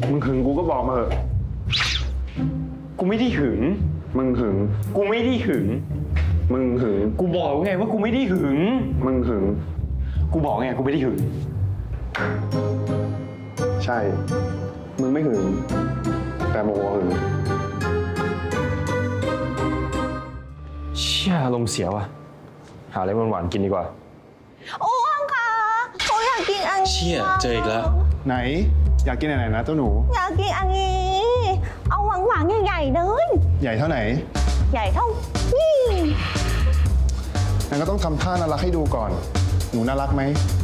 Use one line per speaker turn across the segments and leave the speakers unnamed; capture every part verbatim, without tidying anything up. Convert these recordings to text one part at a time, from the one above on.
มึงหึงกูก็บอกมาเถอะกูไม่ได้หึงมึงหึงกูไม่ได้หึงมึงหึงกูบอกไงว่ากูไม่ได้หึงมึงหึงกูบอกไงกูไม่ได้หึงใช่มึงไม่หึงแต่โมโหหึงเชี่ยลมเสียว่ะหาอะไรหวานๆกินดีกว่า
อ้วงค่ะเขาอยากกินอันนี้
เชี่ยเจออีกแล้ว
ไหนอยากกินไหนๆนะเจ้าหนู
อยากกินอันนี้เอาหวานหวานใหญ่ๆเลย
ใหญ่เท่าไหน
ใหญ่เท่านี่
งั้นก็ต้องทำท่าน่ารักให้ดูก่อนหนูน่ารักไหม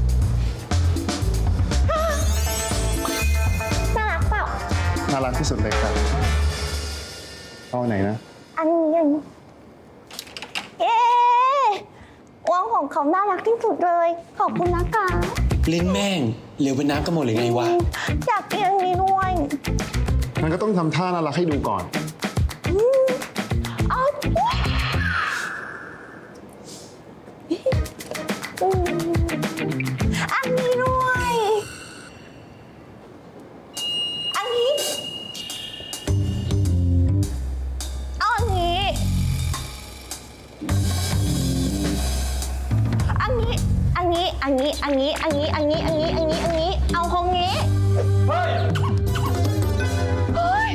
น่ารักเปล่า
น่ารักที่สุดเลยครับเอาไหนนะ
อันนี้อันนี้เย้อ้วงของเขาน่ารักที่สุดเลยขอบคุณนะคะ
ลิ้นแม่งเหลวเป็นน้ำกันหมดเลยไงวะ
อยากกินอันนี้ด้วย
งั้นก็ต้องทำท่าน่ารักให้ดูก่อน
เอาอันนี้ด้วยอันนี้เอาอันนี้อันนี้อันนี้อันนี้อันนี้อันนี้อันนี้อันนี้อันนี้อันนี้เอาของนี้เฮ้ยเฮ้ย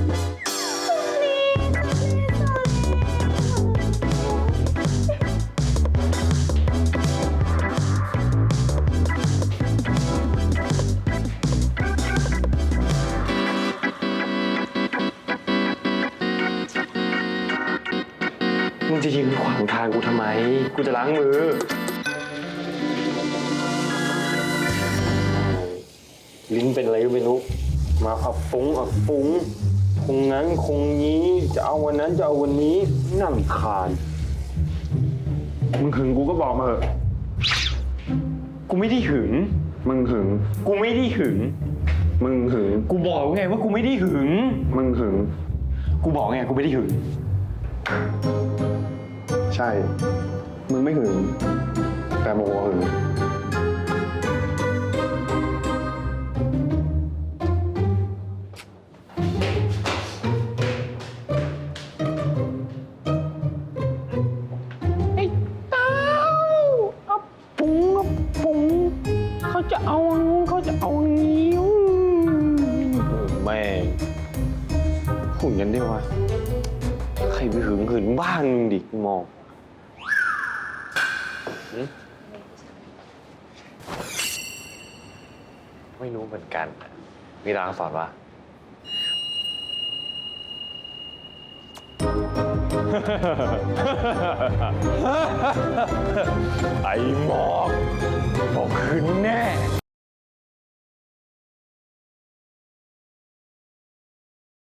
มึงจะยืนขวางทางกูทำไมกูจะล้างมือลิ้นเป็นอะไรก็ไม่รู้มาอับปุ้งอับปุ้งคงนั้นคงนี้จะเอาวันนั้นจะเอาวันนี้น่ารำคาญมึงหึงกูก็บอกมาเถอะกูไม่ได้หึงมึงหึงกูไม่ได้หึงมึงหึงกูบอกไงว่ากูไม่ได้หึงมึงหึงกูบอกไงกูไม่ได้หึงใช่มึงไม่หึงแต่โมโหหึง
เขาจะเอาเขาจะเอานิ้ว
แม่หุ่นกันได้วะใครไปหึงหึงบ้านมึงดิมองไม่รู้เหมือนกันมีรางสอนว่าไอ้หมอกบอกคืนแน่